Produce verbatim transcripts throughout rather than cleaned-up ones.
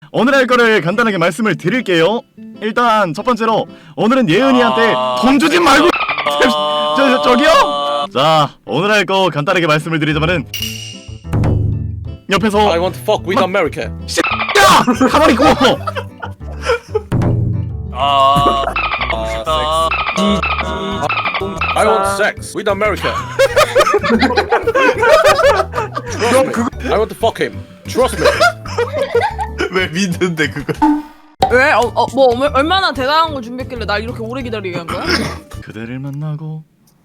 오늘 할 거를 간단하게 말씀을 드릴게요. 일단 첫 번째로 오늘은 예은이한테 아... 돈 주지 말고 저, 저, 저기요? 자, 오늘 할 거 간단하게 말씀을 드리자면은 옆에서 I want to fuck with America. 야! 가만히 있고! 아, 아, I want sex with America. Trust me. I want to fuck him. Trust me. 왜 믿는데 그거? 왜? 어, 어, 뭐 얼마- 얼마나 대단한 걸 준비했길래 날 이렇게 오래 기다리게 한 거야? 그대를 만나고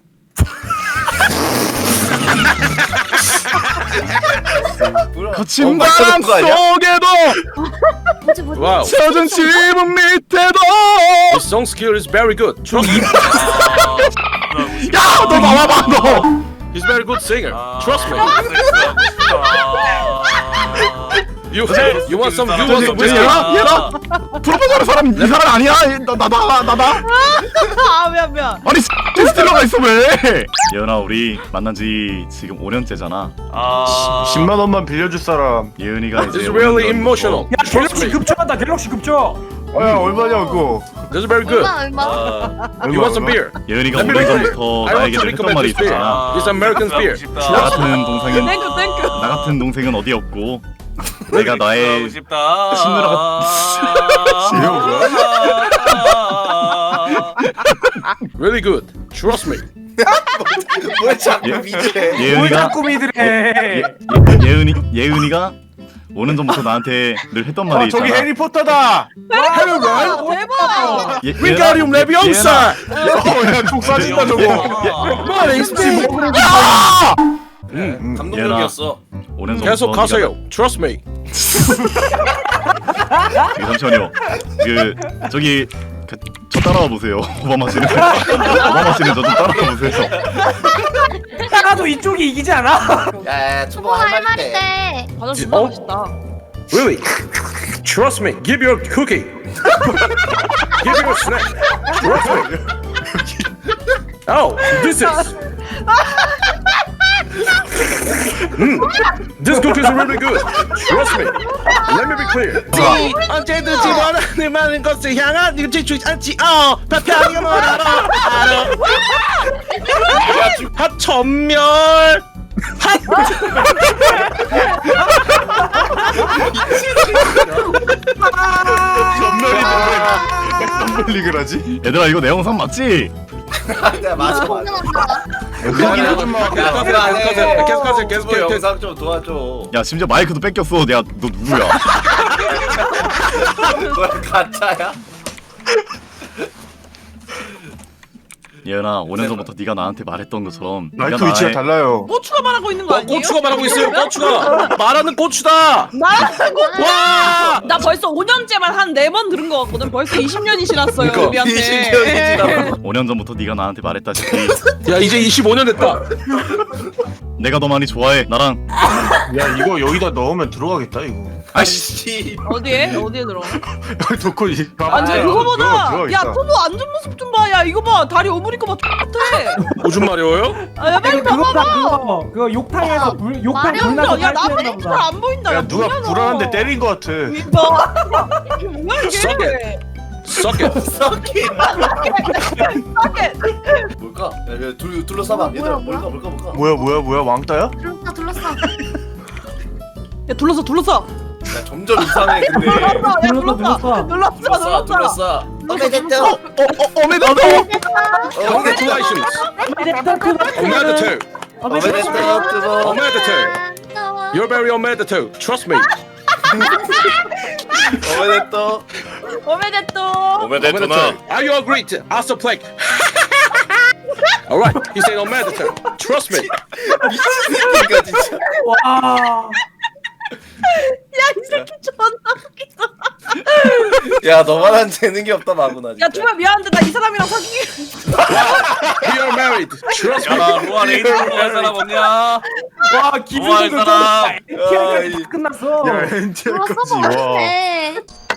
거친 바람 속에도 Wow. 젖은 지붕 밑에도 His song skill is very good. Trust me. 야! 너 나와봐 너! He's very good singer. Trust me. You you want some you want some 저기 whiskey? 얘나? 얘나? 프로포즈하는 사람 이 사람 아니야? 나나나 나 나? 아 미안 미안. 아니 스틸러가 있어 왜? 예은아 우리 만난 지 지금 오 년째잖아. 아, 십만 원만 빌려줄 사람. 예은이가 이제 This is 오 really 년 emotional. 야 Trust 갤럭시 me. 급조한다 갤럭시 급조. 야 얼마냐 그거? This is very good. 얼마 얼마? You want some beer? 예은이가 오 Let me 년 recommend- 전부터 I want 나에게 to 늘 했던 말이 recommend this beer. 있었잖아. This American beer. 나 같은 동생은 땡큐 땡큐. 나 같은 동생은 어디 없고 내가 나의 싶다. 신누라가 Really good. Trust me. 왜 자꾸 예? 믿으래? 뭘 예은이가 자꾸 믿으래. 예, 예은이 예은이가 오 년 전부터 나한테 늘 했던 말이 아 저기 있잖아. 해리포터다. 대박 대박. 예, Wingardium Leviosa. 어야족 사진다 저거. 감동적이었어. 오 년 전부터 계속 네가 가세요. Trust me. 나- 잠시만요. 그 저기 그, 저 따라와 보세요. 오바마 씨는 오바마 씨는 저 좀 따라와 보세요. 따라도 이쪽이 이기지 않아? 뭐 야야 초보 할 말인데. 과자 진짜 어? 맛있다. Really? Trust me. Give your cookie. Give your snack. Trust me. Oh, this is. Mm. This cookies are really good. Trust me. Let me be clear. 언제든지 원하는 많은 것을 향한 일지주 않지. 어, 편하게 말하라. 핫 전멸. 전멸이 왜 하지? 얘들아 이거 내 영상 맞지? 맞아. 계속하세요. 계속하세요. 계속하세요. 계속해요. 영상 좀 도와줘. 야 심지어 마이크도 뺏겼어. 야 너 누구야? 뭐야 가짜야? 예은아 오 년 전부터 네가 나한테 말했던 것처럼 네가 마이크 위치가 나의- 달라요. 고추가 말하고 있는 거 어, 아니에요? 고추가 말하고 있어요. 고추가 말하는 고추다. 말하는 거. 와. 나 벌써 오 년째만 한 네 번 들은 거 같거든. 벌써 이십 년이 지났어요 그러니까, 우리한테. 이십 년이 지나고. 오 년 전부터 네가 나한테 말했다시피 야 이제 이십오 년 됐다. 내가 더 많이 좋아해. 나랑 야 이거 여기다 넣으면 들어가겠다 이거. 아씨. 어디에? 어디에 들어? 놓고 이. 아니 들어가, 그거보다 들어가 야 있다. 토보 앉은 모습 좀 봐. 야 이거 봐 다리 오므리고 봐 똑같아. 오줌 마려워요? 아, 야 빨리 그거 봐봐. 그거 그거 욕탕에서 불 욕탕 마려운 불나서 야나 탈출했나 때리는 보다. 잘안 보인다. 야 누가 뭐냐, 너. 불안한데 때린 거 같아. 이거 이게 뭐야 Suck 이게? Suck it. 썩기. 싸게. 뭘까? 야, 야, 둘 둘러싸봐. 얘들아 뭐야, 뭘까 뭘까 뭘까? 뭐야 뭐야 뭐야 왕따야? 둘렀어 둘렀어. 야 둘러서 둘러서. 야 점점 이상해 근데. 야 둘러서, 둘러서. 둘러서. 둘러서 둘러싸 둘러서. 둘러싸. 어메데토. 어어 어메데토. Congratulations. Omedetou. 어메데토. Omedetou. You're very omedetou. Trust me. 어메데토. 오메데또. 어메데토나. Are you agreed? Ask a plague. All right. He said omedetou. Trust me. 이거 진짜. 와. 야이 새끼 존나 웃기다. 야 너만한 재능이 없다 마구나. 야 정말 미안한데 나 이 사람이랑 사귀기. We are married. Trust me. 야 로아 레이드 할 사람 없냐? 와 우와, 이 기분도 사람. 좀 야, 이- 끝났어. 야 엔젤 둘렀어 거지 와. 뭐해?